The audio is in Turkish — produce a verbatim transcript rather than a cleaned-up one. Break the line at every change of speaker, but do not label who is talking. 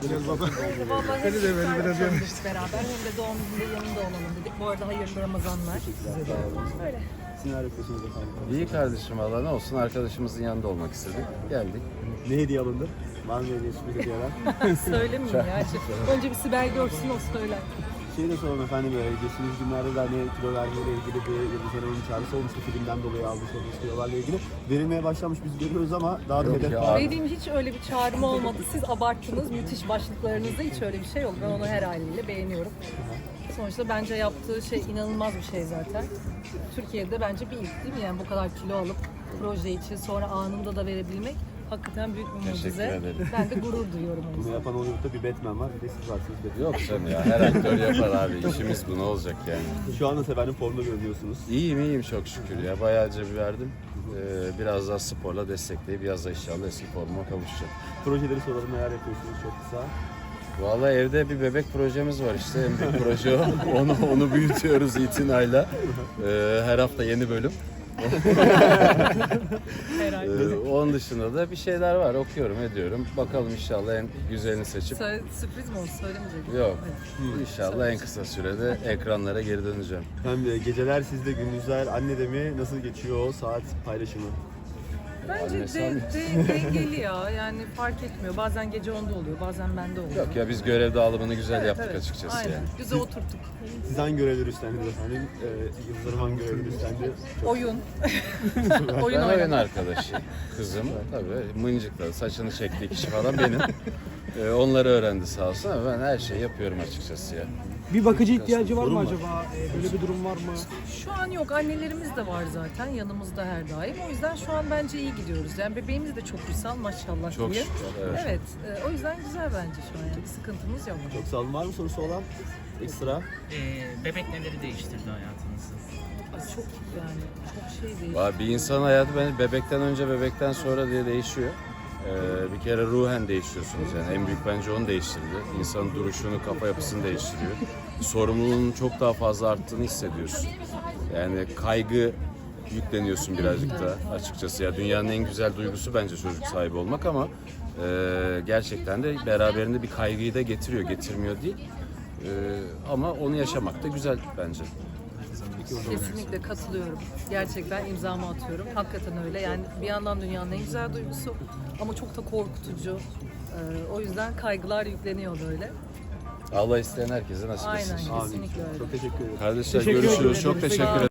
Biraz baba.
Vallahi hep
Beni de beni biraz
iftar
yemiştim.
yapıyoruz beraber. Hem de doğum gününde yanında olalım dedik. Bu arada hayırlı Ramazanlar. Öyle.
Siz neler yapıyorsunuz efendim?
İyi kardeşim valla ne olsun arkadaşımızın yanında olmak istedik. Geldik.
Ne hediye alındı? Var mı hediye sürpriz hediyeler?
Söylemeyeyim ya. Önce bir Sibel görsün o söyler.
Şey de soralım efendim, böyle geçtiğimiz günlerde de hani kilo vermeyle ilgili bir Yıldız Hanım'ın çağrısı olmuştu, filmden dolayı almış olduğumuz kilolarla ilgili. Verilmeye başlamış, biz görüyoruz ama daha da
Yok
hedef
ya.
var.
Dediğim hiç öyle bir çağrım olmadı. Siz abarttınız. Müthiş başlıklarınızda hiç öyle bir şey yok. Ben onu her haliyle beğeniyorum. Sonuçta bence yaptığı şey inanılmaz bir şey zaten. Türkiye'de bence bir ilk değil mi? Yani bu kadar kilo alıp proje için sonra anında da verebilmek hakikaten büyük bir
Teşekkür
mucize.
ederim.
Ben de gurur duyuyorum o
Bunu
yüzden.
yapan Hollywood'da bir Batman var, bir de siz varsınız Batman.
Yok canım ya her aktör yapar abi. İşimiz bu ne olacak yani.
Şu anda efendim formda görünüyorsunuz.
İyiyim iyiyim çok şükür ya. Bayağı cebi verdim. Ee, biraz daha sporla destekleyip yazda inşallah eski formuma kavuşacağım.
Projeleri soralım, neler yapıyorsunuz çok kısa.
Vallahi evde bir bebek projemiz var işte. En büyük proje o. Onu, onu büyütüyoruz itinayla. Ee, her hafta yeni bölüm.
Herhalde.
Ee, onun dışında da bir şeyler var. Okuyorum, ediyorum. Bakalım inşallah en güzelini seçip.
Söyle, sürpriz mi oldu? Söylemeyecek.
Yok. İnşallah en kısa sürede ekranlara geri döneceğim.
Hem de geceler sizde, gündüzler annede mi? Nasıl geçiyor o saat paylaşımı?
Bence
Annesi
de,
annesi.
de, dengeli ya. Yani fark etmiyor. Bazen gece onda oluyor, bazen bende oluyor.
Yok ya biz görev dağılımını güzel
Evet,
yaptık
evet.
açıkçası
Aynen.
yani.
Güzel oturttuk.
Siz hangi görevleri üstlendiniz efendim? Ee, Yıldız Hanım hangi görevleri üstlendi?
Oyun. oyun
Ben oyun
oynamak.
arkadaşı. Kızım tabii mıncıkladı. Saçını çektiği kişi falan benim. Ee, onları öğrendi sağ olsun ama ben her şeyi yapıyorum açıkçası ya.
Bir bakıcı ihtiyacı var mı
Sorun var.
acaba? Ee, Böyle bir durum var mı?
Şu an yok. Annelerimiz de var zaten. Yanımızda her daim. O yüzden şu an bence iyi gidiyoruz. Yani bebeğimiz de çok güzel maşallah
Çok
diye.
şükür, evet.
Evet. e, o yüzden güzel bence şu an. Yani bir sıkıntımız yok.
Çok sağ olun. Var mı sorusu olan? Ekstra.
Ee, bebek neleri değiştirdi hayatınızı?
Ay, çok yani çok şey değil.
Valla bir insan hayatı bence bebekten önce bebekten sonra diye değişiyor. Ee, bir kere ruhen değişiyorsunuz yani en büyük bence onu değiştirdi. İnsanın duruşunu, kafa yapısını değiştiriyor. Sorumluluğunun çok daha fazla arttığını hissediyorsun. Yani kaygı yükleniyorsun birazcık da açıkçası. Ya dünyanın en güzel duygusu bence çocuk sahibi olmak ama e, gerçekten de beraberinde bir kaygıyı da getiriyor, getirmiyor değil. E, ama onu yaşamak da güzel bence.
Kesinlikle katılıyorum. Gerçekten imzamı atıyorum. Hakikaten öyle. Yani bir yandan dünyanın en güzel duygusu ama çok da korkutucu. Ee, o yüzden kaygılar yükleniyor böyle.
Allah isteyen herkese nasip etsin.
Aynen,
Amin.
kesinlikle öyle.
Çok teşekkür ederim.
Kardeşler
Teşekkür
görüşürüz.
ederim.
Çok
Sağ
teşekkür
olun.
ederim.